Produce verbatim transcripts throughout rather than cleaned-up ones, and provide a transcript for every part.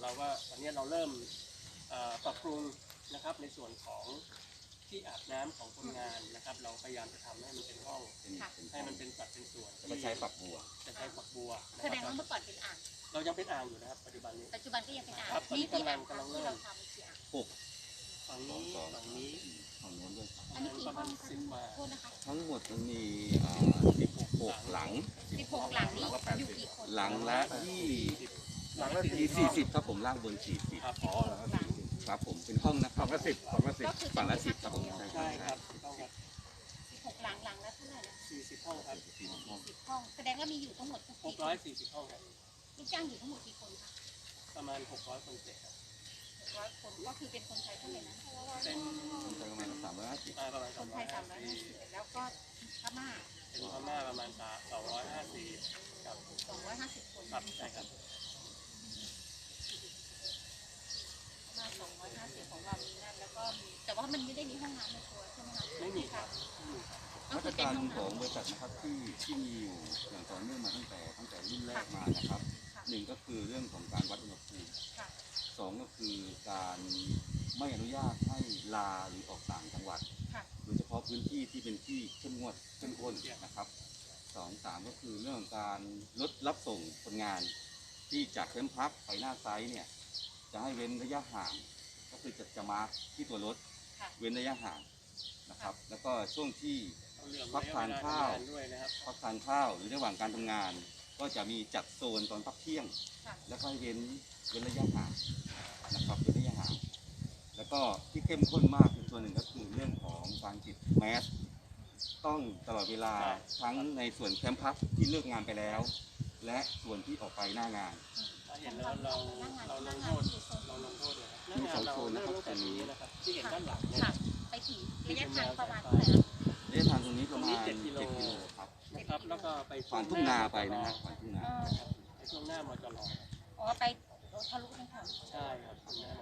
เราก็ตอนนี้เราเริ่มปรับปรุงนะครับในส่วนของที่อาบน้ำของคนงานนะครับเราพยายามจะทำให้มันเป็นห้องให้มันเป็นสัดเป็นส่วนจะใช้ฝักบัวจะใช้ฝักบัวแสดงว่าเมื่อก่อนเป็นอ่างเรายังเป็นอ่างอยู่นะครับปัจจุบันนี้ปัจจุบันก็ยังเป็นอ่างนี่กำลังกำลังเริ่มหกฝั่งนี้ฝั่งนี้ฝั่งโน้นด้วยอันนี้กี่ห้องสิบมาโทษนะคะทั้งหมดมันมีสิบหกหลังสิบหกหลังนี้อยู่กี่คนหลังละยี่หลังละสี่สิบครับผมล่างบนสี่สิบอ๋อครับผมเป็นห้องนะครับฝั่งละสิบฝั่งละสิบฝั่งละสิบครับผมใช่ครับสิบหกหลังหลังละเท่าไหร่นะสี่สิบห้องครับสี่สิบห้องแสดงว่ามีอยู่ทั้งหมดหกร้อยสี่สิบห้องครับลูกจ้างอยู่ทั้งหมดกี่คนคะประมาณหกร้อยคนเศษครับหกร้อยคนก็คือเป็นคนไทยเท่าไหร่นะเป็นประมาณสามร้อยห้าสิบประมาณคนไทยสามร้อยห้าสิบแล้วก็พม่าเป็นพม่าประมาณสองร้อยห้าสิบครับสองร้อยห้าสิบคนครับใช่ครับมาสองร้อยห้าสิบของเรามีนั่นแล้วก็มีแต่ว่ามันไม่ได้มีห้องน้ำในตัวใช่ไหมคะไม่มีครับมาตรการของบริษัทนะครับที่ที่มีอยู่อย่างต่อเนื่องมาตั้งแต่ตั้งแต่รุ่นแรกมานะครับหนึ่งก็คือเรื่องของการวัดอุณหภูมิสองก็คือการไม่อนุญาตให้ลาหรือออกต่างจังหวัดโดยเฉพาะพื้นที่ที่เป็นที่เข้มงวดเข้มข้นนะครับสองสามก็คือเรื่องการลดรับส่งคนงานที่จากแคมป์พักไปหน้าไซต์เนี่ยจะให้เว้นระยะห่างก็คือจะจะมาร์คที่ตัวรถเว้นระยะห่างนะครับแล้วก็ช่วงที่พักทานข้าวพักทานข้าวหรือระหว่างการทำงานก็จะมีจัดโซนตอนพักเที่ยงแล้วก็ให้เว้นเว้นระยะห่างนะครับเว้นระยะห่างแล้วก็ที่เข้มข้นมากคือส่วนหนึ่งก็คือเรื่องของการติดแมสต้องตลอดเวลาทั้งในส่วนแคมป์พักที่เลิกงานไปแล้วและส่วนที่ออกไปหน้างานเห็นแล้วเราเราลงโทษเราลงโทษเลยครับมีสองโซนนะครับตรงนี้นะครับที่เห็นด้านหลังไปถึงระยะทางประมาณเท่าไหร่ระยะทางตรงนี้ประมาณเจ็ดกิโลครับนะครับแล้วก็ไปผ่านทุ่งนาไปนะฮะผ่านทุ่งนาไปช่วงหน้ามาจลออ๋อไปทะลุทั้งถนนใช่ครับตรงนี้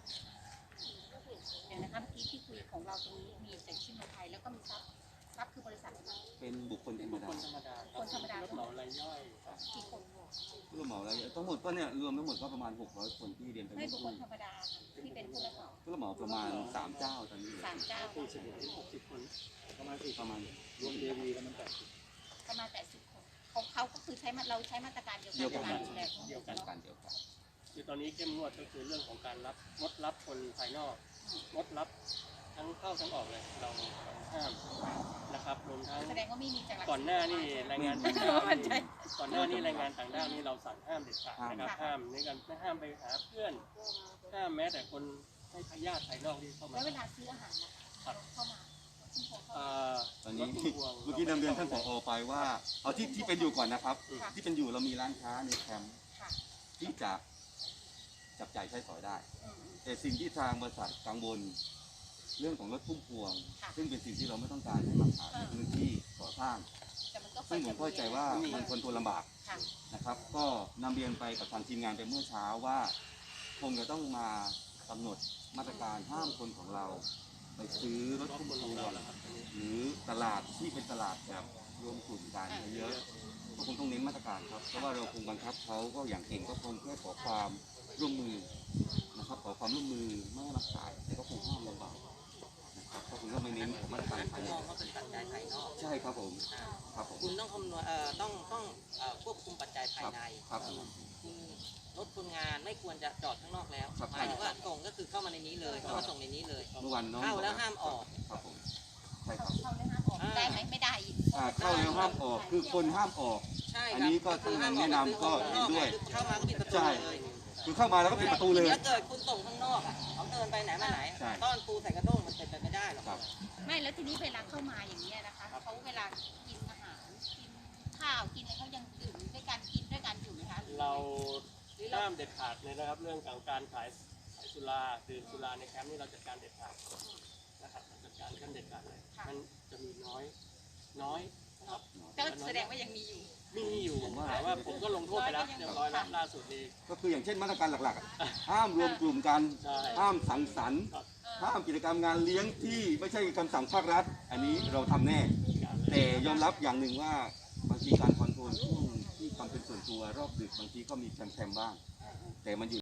เดี๋ยวนะคะเมื่อกี้ที่คุยของเราตรงนี้มีแต่ชื่อไทยแล้วก็มีซับซับคือบริษัทเป็นบุคคลธรรมดาคนธรรมดาคนธรรมดารถเหมารายย่อยกี่คนรถเหมารายย่อยทั้งหมดก็เนี่ยรวมทั้งหมดก็ประมาณหกร้อยคนที่เรียนไปไม่บุคคลธรรมดาที่เป็นผู้รับเหมาผู้รับเหมาประมาณสามเจ้าตอนนี้สามเจ้าสี่สิบถึงหกสิบคนประมาณสี่ประมาณรวมเดวีประมาณแปดสิบประมาณแปดสิบคนของเขาก็คือใช้เราใช้มาตรการเดียวกันการดูแลเดียวกันการเดียวกันคือตอนนี้เข้มงวดก็คือเรื่องของการรับงดรับคนภายนอกงดรับทั้งเข้าทั้งออกเลยเราห้ามนะครับรวมทั้งแสดงว่าไม่มีจังหวัดก่อนหน้านี่รายงานต่างด้าวก่อนหน้านี่รายงานต่างด้าวนี่เราสั่งห้ามเด็ดขาดนะครับห้ามในการไม่ห้ามไปหาเพื่อนห้ามแม้แต่คนให้ญาติภายนอกที่เข้ามาแล้วเวลาซื้ออาหารเข้ามาตอนนี้เมื่อกี้นำเรียนท่านผอ.ไปว่าเอาที่ที่เป็นอยู่ก่อนนะครับที่เป็นอยู่เรามีร้านค้าในแคมป์ที่จะจับจ่ายใช้สอยได้แต่สิ่งที่ทางบริษัทกังวลเรื่องของรถพุ่มพวงซึ่งเป็นสิ่งที่เราไม่ต้องการให้มาขายในพื้นที่ก่อสร้างซึ่งผมเข้าใจว่ามันคนทนลำบากนะครับก็นำเรียนไปกับทางทีมงานไปเมื่อเช้าว่าคงจะต้องมากำหนดมาตรการห้ามคนของเราไปซื้อรถพุ่มพวงหรือตลาดที่เป็นตลาดแบบรวมกลุ่มกันเยอะก็คงต้องเน้นมาตรการครับเพราะว่าเราคงบังคับเขาก็อย่างเก่งก็คงแค่ขอความร่วมมือนะครับขอความร่วมมือไม่ให้มาขายแต่ก็คงห้ามลำบากนะครับก็คงต้องไม่เน้นมาตรการภายในก็เป็นปัจจัยภายนอกใช่ครับผมครับผมคุณต้องคำนวณเอ่อต้องต้องควบคุมปัจจัยภายในครับคุณรถคนงานไม่ควรจะจอดข้างนอกแล้วหมายถึงว่าส่งก็คือเข้ามาในนี้เลยเข้ามาส่งในนี้เลยเมื่อวันน้องเข้าแล้วห้ามออกครับผมใช่ครับเข้าแล้วห้ามออกได้ไหมไม่ได้เข้าแล้วห้ามออกคือคนห้ามออกอันนี้ก็ทางแนะนำก็เห็นด้วยเข้ามาก็ปิดประตูเลยคือเข้ามาแล้วก็ปิดประตูเลยถ้าเกิดคุณส่งข้างนอกอ่ะเขาเดินไปไหนมาไหนต้อนปูใส่กระด้งมันเป็นไปไม่ได้หรอกไม่แล้วทีนี้เวลาเข้ามาอย่างนี้นะคะเขาเวลากินอาหารกินข้าวกินอะไรเขายังดื่มด้วยกันกินด้วยกันอยู่ไหมคะเราห้ามเด็ดขาดเลยนะครับเรื่องของการขายสุราดื่มสุราในแคมป์นี่เราจัดการเด็ดขาดนะครับจัดการกันเด็ดขาดเลยมันจะมีน้อยน้อยนะครับก็แสดงว่ายังมีอยู่มีอยู่แต่ว่าผมก็ลงโทษไปแล้วเรียบร้อยแล้วล่าสุดนี้ก็คืออย่างเช่นมาตรการหลักๆห้ามรวมกลุ่มกันห้ามสังสรรค์ห้ามกิจกรรมงานเลี้ยงที่ไม่ใช่คำสั่งภาครัฐอันนี้เราทำแน่แต่ยอมรับอย่างหนึ่งว่าบางทีการคอนโทรลช่วงที่ความเป็นส่วนตัวรอบดึกบางทีก็มีแคมๆบ้างแต่มันอยู่